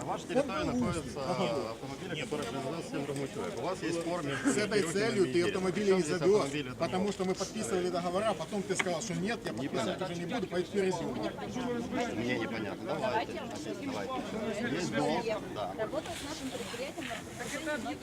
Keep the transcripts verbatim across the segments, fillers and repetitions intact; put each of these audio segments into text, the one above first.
вашей территории находятся автомобили, которые принадлежат всем другим человеку. У вас есть спор между... С этой целью ты автомобили не завез, потому что мы подписывали договора, потом ты сказал, что нет, я подписывать уже не буду, поэтому перевезем. Мне непонятно. Давайте. Давайте. Есть долг. Да. Работал с нашим предприятием на протяжении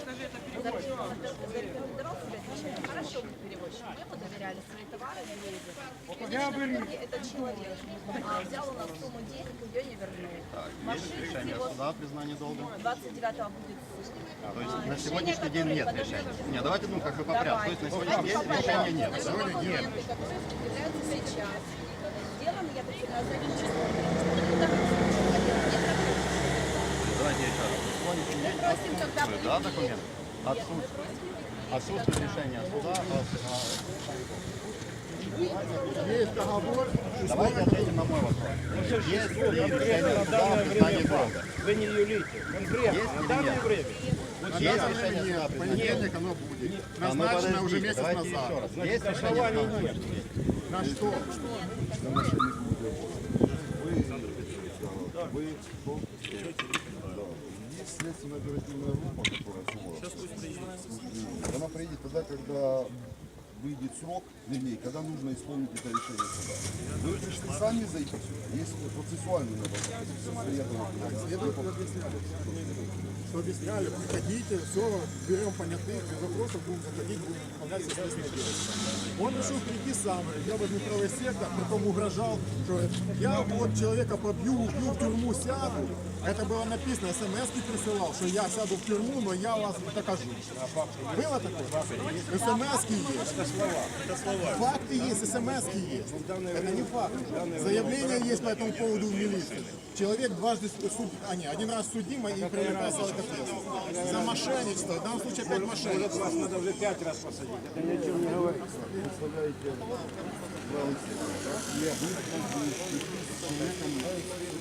Хорошо, мы перевозчик. Мы ему доверяли свои товары, грузы. И, конечно, в итоге этот человек а, взял у нас сумму денег и ее не вернул. Так, есть решение суда о признании долга? двадцать девятого будет суд. А, то есть А, на решение, сегодняшний день которое нет подождите. решения? Нет, давайте, ну, как бы по порядку. То есть на сегодняшний день решения нет. Значит, документы, которые предъявляются сейчас, сделаны, я так понимаю, задним числом. Давайте еще раз. На сегодняшний день Просим, когда отсутствует, будет да, документ? Отсутствует. Отсутствует решение суда о... Есть договор. Давайте ответим на мой вопрос. Есть ли решение суда о признании долга? Вы не юлите. Конкретно, Есть на или данное нет? время. На Есть данное решение время суда о нет, в признании понедельник оно будет. А, ну, Назначено уже подождите, месяц давайте еще назад. раз. Есть решение суда? На что? Есть следственная оперативная группа, которая Суворов. Она приедет тогда, когда выйдет срок, вернее, когда нужно исполнить это решение суда. Вы пришли сами зайти сюда, есть процессуальный надо. Следователь объясняли, что объясняли, приходите, все, берем понятых, без вопросов будем заходить, будем выполнять все следственные действия. Он решил прийти сам, я возьму правый сектор, потом угрожал, что я вот человека побью, убью, в тюрьму сяду. Это было написано, смс-ки присылал, что я сяду в тюрьму, но я вас докажу. Было такое? смс-ки есть. Это слова. Это слова. Факты есть, смс-ки есть. Это не факты. Заявление есть по этому поводу в милиции. Человек дважды суд, а не, один раз судимый и привлекается к ответственности. За мошенничество, в данном случае опять мошенничество. Вас надо уже пять раз посадить. Это ни о чем не говорит. Представляете, правый сектор. Я с человеком.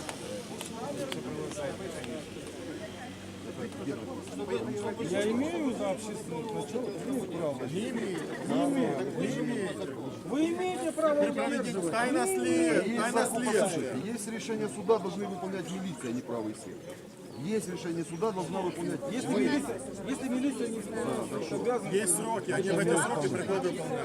Я имею за общественных началов право. Не имеет, не имеет, не имеет. Вы имеете право удерживать. Тайна след, Есть тайна закон, следствия. послушайте, есть решение суда, должны выполнять милиция, а не правый сектор. Есть решение суда, должна выполнять. Если милиция, если милиция не исполняет, обязан. Есть сроки, они в эти сроки приходят выполнять.